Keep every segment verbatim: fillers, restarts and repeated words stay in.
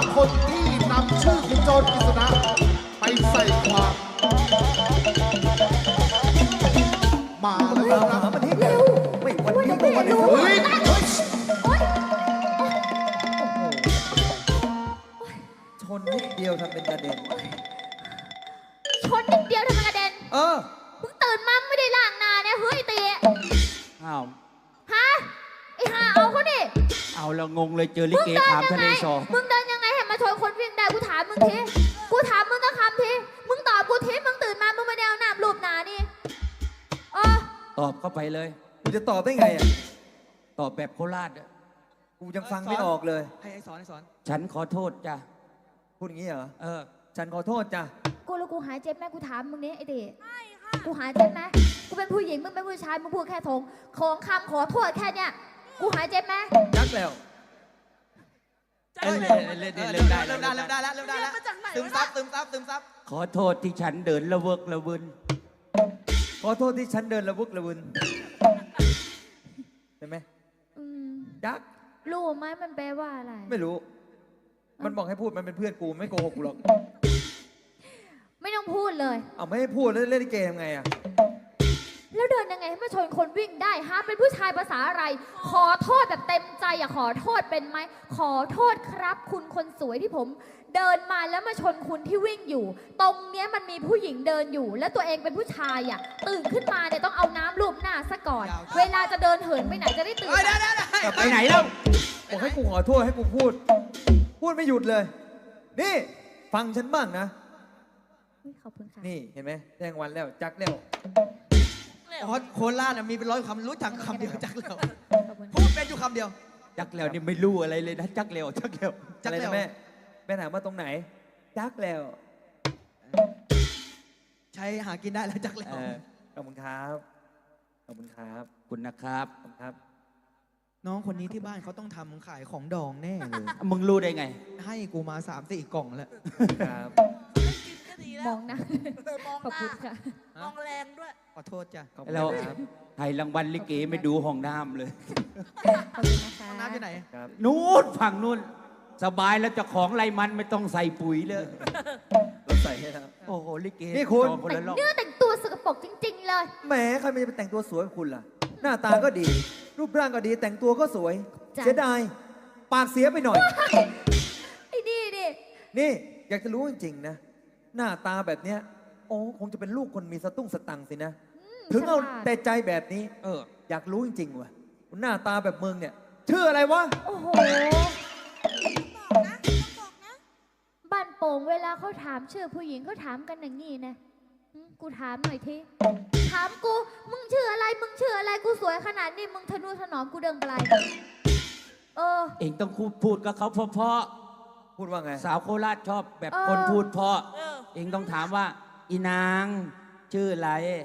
คนที่นำชื่อคุณโจรกฤษณะไปใส่ความมาแล้วครับหามันให้เร็วไม่วันนี้ก็วันนี้เฮ้ยชนนิดเดียวทำเป็นกระเด็นชนนิดเดียวทำไมกระเด็นเออมึงตื่นมาไม่ได้ล้างหน้าเนี่ยเฮ้ยตีอ้าวฮะไอ้ห่าเอาเขาดิเอาแล้วงงเลยเจอลิมึงเกเดินขามยังทะไงเลสอมึงเดินยังไงให้มาชนคนวิ่งได้กูถามมึงทีกูถามมึงก็คำทีมึงตอบกูทีมึงตื่นมามึงไม่ได้เอาน้ำรูปหนานี่เออตอบเข้าไปเลยกูจะตอบได้ไงอ่ะตอบแบบโคราชอะกูยังฟังไม่ออกเลยให้ไอ้สอนไอ้สอนฉันขอโทษจ้ะพูดอย่างนี้เหรอเออฉันขอโทษจ้ะกูแล้วกูหายเจ็บไหมกูถามมึงนี้ไอ้เด็กูหายเจ็บไหมกูเป็นผู้หญิงมึงเป็นผู้ชายมึงพูดแค่ทงของคำขอโทษแค่เนี้ยกูหายเจ็บไหมยักแล้วเอ้ยเล่นเล่นเล่นเล่นได้เริ่มได้เริ่มได้แล้วเริ่มได้แล้วซึมซับซึมซับซึมซับขอโทษที่ฉันเดินละเวิกละวินขอโทษที่ฉันเดินระวึกระวึนใช่ไหมอืมยักรู้ไหมมันแปลว่าอะไรไม่รู้ มันบอกให้พูดมันเป็นเพื่อนกูไม่โกหกกูหรอกไม่ต้องพูดเลยเอาไม่ให้พูดแล้วเล่นลิเกทำไงอ่ะแล้วเดินยังไงให้มาชนคนวิ่งได้ฮะเป็นผู้ชายภาษาอะไร ขอโทษแบบเต็มใจอะขอโทษเป็นไหมขอโทษครับ คุณคนสวยที่ผม เดินมาแล้วมาชนคุณที่วิ่งอยู่ ตรงเนี้ยมันมีผู้หญิงเดินอยู่ แล้วตัวเองเป็นผู้ชายอะตื่นขึ้นมาเนี่ยต้องเอาน้ำลูบหน้าซะก่อน เวลาจะเดินเหินไปไหนจะได้ตื่นเฮ้ยได้ได้ได้ไปไหนแล้วบอกให้กูขอโทษให้กูพูด พูดไม่หยุดเลย นี่ ฟังฉันบ้างนะอุ๊ยขอบคุณค่ะนี่เห็นไหมแจ้งวันแล้วจักแล้วอ๋อโคราชน่ะมีเป็นร้อยคำรู้จักคำเดียวจักแล้วขอบคุณพูดเป็นอยู่คำเดียวจักแล้วนี่ไม่รู้อะไรเลยนะ จักแล้วจักแล้วจักอะไรแล้วนะแม่แม่ถามว่าตรงไหน จักแล้วใช้หากินได้แล้วจักแล้เอวอขอบคุณครับขอบคุณครับคุณนะครับขอบคุณครับน้องคนนี้ที่บ้านเขาต้องทำขายของดองแน่เลยมึงรู้ได้ไงให้กูมาสามสี่กล่องแล้วครับมองนะมองขอบหคุน้าณค่ะมองแรงด้วยขอโทษจ้ะขอบคุณแล้วครับให้รางวัลลิเกไม่ดูห้องน้ำเลยขอบคุณนะคะน้ำอยู่ไหนครับนู้นฝั่งนู้นสบายแล้วเจ้าของไรมันไม่ต้องใส่ปุ๋ยเลยเราใส่ให้แล้วโอ้โหลิเกนี่คุณจองคนแต่ละรอบเนื้อแต่งตัวสกปรกจริง ๆ เลยแหมใครมันจะไปแต่งตัวสวยกับคุณล่ะ หน้าตาก็ดี รูปร่างก็ดี แต่งตัวก็สวยจ้ะเสียดาย ปากเสียไปหน่อยไอ้นี่ดินี่อยากจะรู้จริงๆนะ หน้าตาแบบเนี้ย โอ้คงจะเป็นลูกคนมีสตุ้งสตังค์สินะ ถึงเอาฉลาดแต่ใจแบบนี้เอออยากรู้จริงๆว่ะหน้าตาแบบมึงเนี่ย ชื่ออะไรวะโอ้โหบอกนะบอกนะบ้านโป่งเวลาเขาถามชื่อผู้หญิงเขาถามกันอย่างงี้นะหึกูถามหน่อยทีถามกู มึงชื่ออะไร มึงชื่ออะไร กูสวยขนาดนี้ มึงทะนุถนอมกูเดิงปลายเออเองต้องพูดกับเขาเพราะพูดว่าไงๆสาวโคราชชอบแบบเออคนพูดเพราะเออเองต้องถามว่า อีนางชื่ออะไร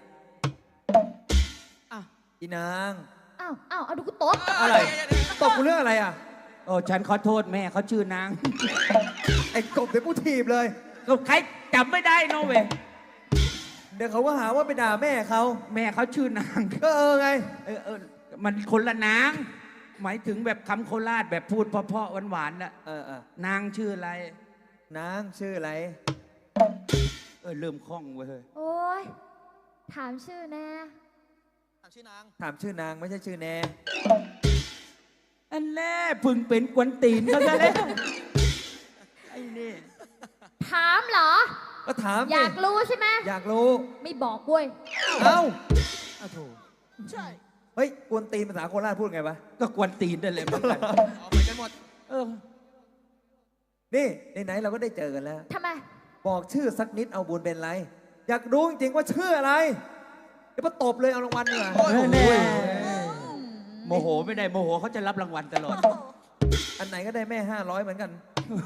อ่ะอีนางอ้าวอ้าวเอาดูกูตบอะไร ตบกูเรื่องอะไรอ่ะโอ้ฉันขอโทษแม่เขาชื่อนางไอ้กบเดี๋ยวกูถีบเลยก็ใครจำไม่ได้เนอะเว้ยเดี๋ยวเขาก็หาว่าไปด่าแม่เขาแม่เขาชื่อนางก็เออไงเออเออมันคนละนาง หมายถึงแบบคำโคราชแบบพูดเพราะๆหวานๆน่ะเออเออนางชื่ออะไรนางชื่ออะไรเออเริ่มคล่องเว้ยโอ้ยถามชื่อแน่ถามชื่อนางถามชื่อนางไม่ใช่ชื่อแนอันแน่พึงเป็นกวนตีนเขาซะแล้วไอ้นี่ถามเหรอก็ถามอดิยากรู้ใช่ไหมอยากรู้ไม่บอกเว้ยเอ้าอ้าวโถใช่เฮ้ยกวนตีนภาษาโคราชพูดไงวะก็กวนตีนนั่นแหละเหมือนกันอ๋อเหมือนกันหมดเออนี่ไหนๆเราก็ได้เจอกันแล้วทำไมบอกชื่อสักนิดเอาบุญเป็นไร อยากรู้จริงๆว่าชื่ออะไร เดี๋ยวมาตบเลยเอารางวัลดีกว่าโอ้ยแน่โอ้ยโมโหไม่ได้โมโหเขาจะรับรางวัลตลอดอันไหนก็ได้แม่ห้าร้อยเหมือนกัน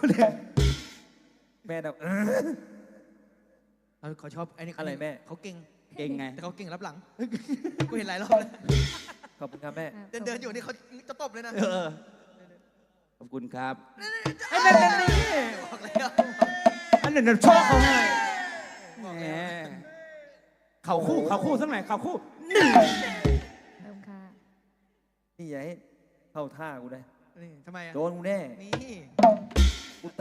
แม่แบบเออเออเขาชอบไอ้นี่อะไรแม่เขาเก่งเก่งไงแต่เขาเก่งรับหลัง กูเห็นหลายรอบแล้วขอบคุณครับแม่เดินเดินๆอยู่นี่เขาจะตบเลยนะเออ ขอบคุณครับไอ้นั่นนั่นนี่บอกแล้วอันนั้นนะชอบเขาให้แหมเข่าคู่เข่าคู่สักหน่อยเข่าคู่ขอบคุณค่ะนี่อย่าให้เข้าท่ากูนะนี่ทำไมอ่ะโดนกูแน่นี่กู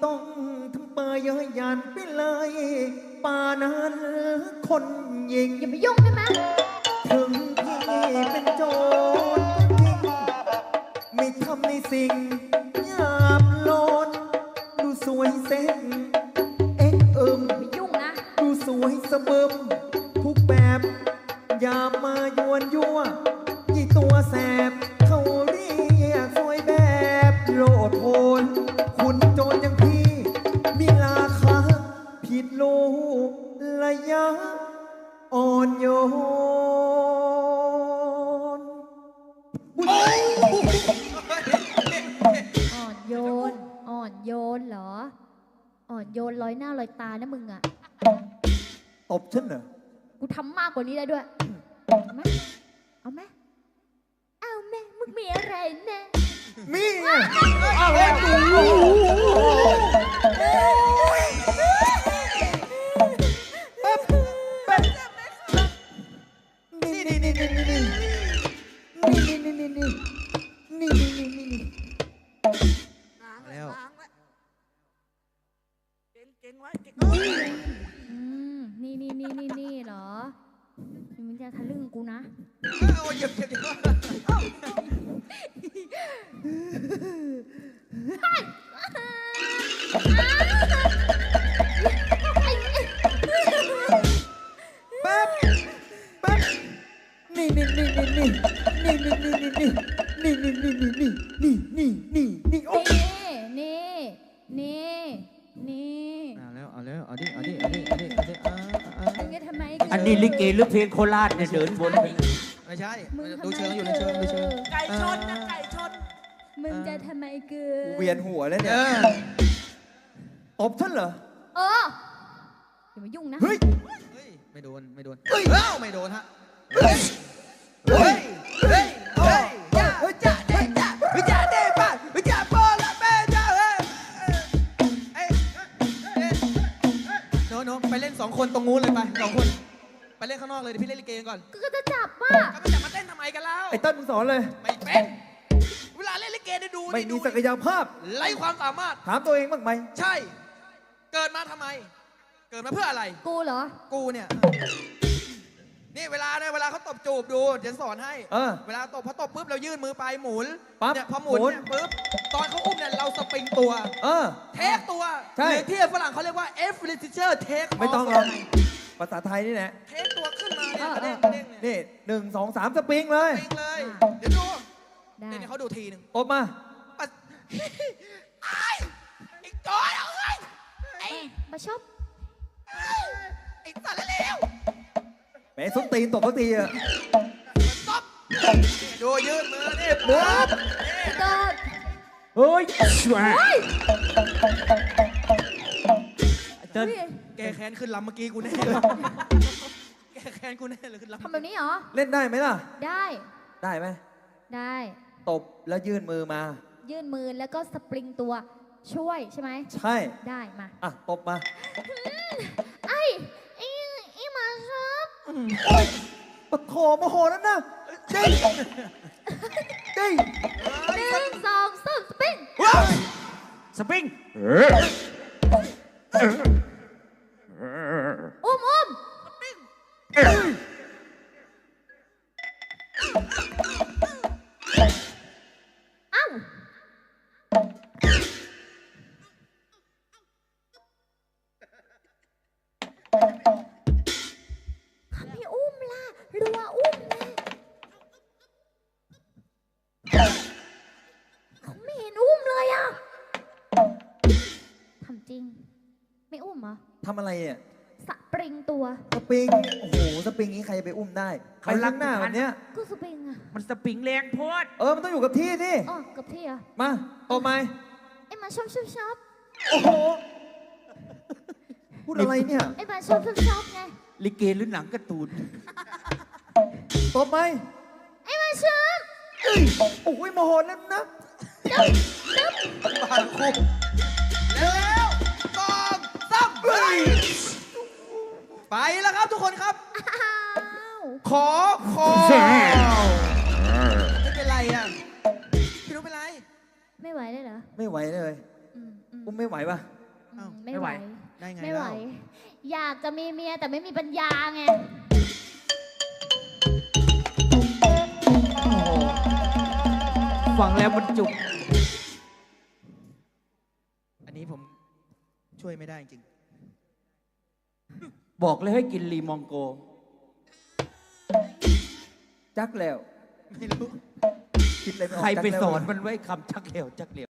ต้องทำเปยเย้ยหยันไปเลยป่านั้นคนยิงอย่ามายุ่งได้ไหมถึงพี่เป็นโจรก็จริงไม่ทำในสิ่งหยาบโลนดูสวยเซ็งเอ็กเอิมอย่ายุ่งนะดูสวยสะเบิมทุกแบบอย่ามายวนยั่วยี่ตัวแสบเขาเรียกสวยแบบโลดโผนคุณโจรอย่างพี่มีราคาผิดโลระยะอ่อนโยนอ่อนโยน อ่อนโยนเหรอ อ่อนโยนลอยหน้าลอยตานะมึงอะตบฉันเหรอกูทำมากกว่านี้ได้ด้วย เอาไหมเอาไหมเอาไหมมึงมีอะไรนะมีไงเอาแล้วนี่นี่นี่นี่นี่นี่นี่นี่นี่นี่นี่นี่นี่นี่ล้างแล้วล้างไว้เก่งเก่งไว้เก่งอืม นี่นี่นี่นี่นี่เหรอมึงจะทะลึ่งกูนะโอ้ยเจ็บเจ็บเจ็บแป๊บแป๊บนี่นี่นี่นี่นี่นี่นี่นี่นี่นี่นี่นี่นี่นี่นี่นี่นี่นี่นี่โอ้นี่ นี่ นี่ นี่เอาแล้วเอาแล้วเอาดิเอาดิเอาดิเอาดิเอาดิอ่าอ่ามึงจะทำไมอันนี้ลิเกหรือเพลงโคราชเนี่ยเดินบนเพลงไม่ใช่มึงทำไมดูเชิงอยู่ในเชิงดูเชิงไก่ชนนะไก่ชนมึงจะทำไมเกิเวียนหัวแล้วเอเนี่ยอตบฉันเหรอเอออย่ามายุ่งนะเฮ้ยเฮ้ยไม่โดนไม่โดนเฮ้ยเอ้าไม่โดนฮะเฮ้ยเฮ้ยเฮ้ยเฮ้ยจ้าเฮ้ยจ้าเด้จ้าเฮ้ยจ้าเด้ป้าเฮ้ยจ้าโปละแม่จ้าเฮ้ยเอ้ยเอ้ยโน้โน้ไปเล่นสองคนตรงนู้นเลยไปสองคนไปเล่นข้างนอกเลยเดี๋ยวพี่เล่นลิเกก่อนก็จะจับป่ะก็ไม่จะมาเต้นทำไมกันแล้วไอ้เต้นมึงสอนเลยไม่เป็นเวลาเล่นลิเกได้ดูไม่นี่มีดูศักยภาพไร้ความสามารถถามตัวเองบ้างไหมใช่ เกิดมาทำไม เกิดมาเพื่ออะไรกูเหรอกูเนี่ย นี่เวลาเนี่ยเวลาเขาตบจูบดูเดี๋ยวสอนให้เออเวลาตบพอตบปุ๊บเรายื่นมือไปหมุนปั๊บเนี่ยพอหมุนหมุนเนี่ยปุ๊บตอนเขาอุ้มเนี่ยเราสปริงตัวเออเทคตัวใช่หรือที่ฝรั่งเขาเรียกว่า F r e t i t u r take ไม่ต้องหรอกภาษาไทยนี่แหละเทคตัวขึ้นมาเนี่ยเออกระเด้งกระเด้งเนี่ยนี่หนึ่งสองสามสปริงเลยสปริงเลย เดี๋ยวดูได้เดี๋ยวเขาดูทีหนึ่งตบมาปะไอ้ไอ้จอยเอาไอ้ไอ้มาชอบไอ้สัตว์เลวแหมส้นตีนตบเขาทีอะๆตบดูยืนมือนี่ปุ๊บนี่เกิดเฮ้ยช่วยเดินเฮ้ยแกแค้นขึ้นลำเมื่อกี้กูแน่เลยแกแค้นกูแน่เลยขึ้นลำทำแบบนี้เหรอเล่นได้ไหมล่ะได้ได้ไหมได้ตบแล้วยื่นมือมายื่นมือแล้วก็สปริงตัวช่วยใช่ไหมใช่ได้มาอ่ะ ตบมาไอ้ไอ้ไอ้มาชอบปะโถโมโหนั่นนะจริงจริงหนึ่งสองสามสปริงสปริงอุ้มอุ้มเอ้าเขาไม่อุ้มล่ะรัวอุ้มนะเขาไม่เห็นอุ้มเลยอ่ะทำจริง ไม่อุ้มเหรอทำอะไรอ่ะสปริงตัวสปริง โอ้โห สปริงนี้ใครจะไปอุ้มได้ใครลักหน้าแบบเนี้ยก็สปริงอ่ะมันสปริงแรงโพดเออ มันต้องอยู่กับที่ที่อ๋อกับที่อ่ะมา ตบไหมไอ้มาชอบชอบชอบโอ้โห พูดอะไรเนี่ยไอ้มาชอบชอบชอบไงลิเกหรือหนังการ์ตูนตบไหมไอ้มาชอบเอ้ยโอ้ยโมโหแล้วนะดึ๊บดึ๊บผ่านคุกแล้วๆสองสามไปไปแล้วครับทุกคนครับอ้าวขอขอไม่เป็นไรอ่ะพี่รู้เป็นไรไม่ไหวเลยเหรอไม่ไหวเลยอืมอืมอุ้มไม่ไหวปะอืมเอ้าไม่ไหวได้ไงไม่ไหวเล่าอยากจะมีเมียแต่ไม่มีปัญญาไงโอ้โหฟังแล้วมันจุกอันนี้ผมช่วยไม่ได้จริงบอกเลยให้กินลีมองโกจักแล้วไม่รู้คิดอะไรม่ออกใครไปจักแล้วสอนมันไว้คำชักเหลวชักเหลว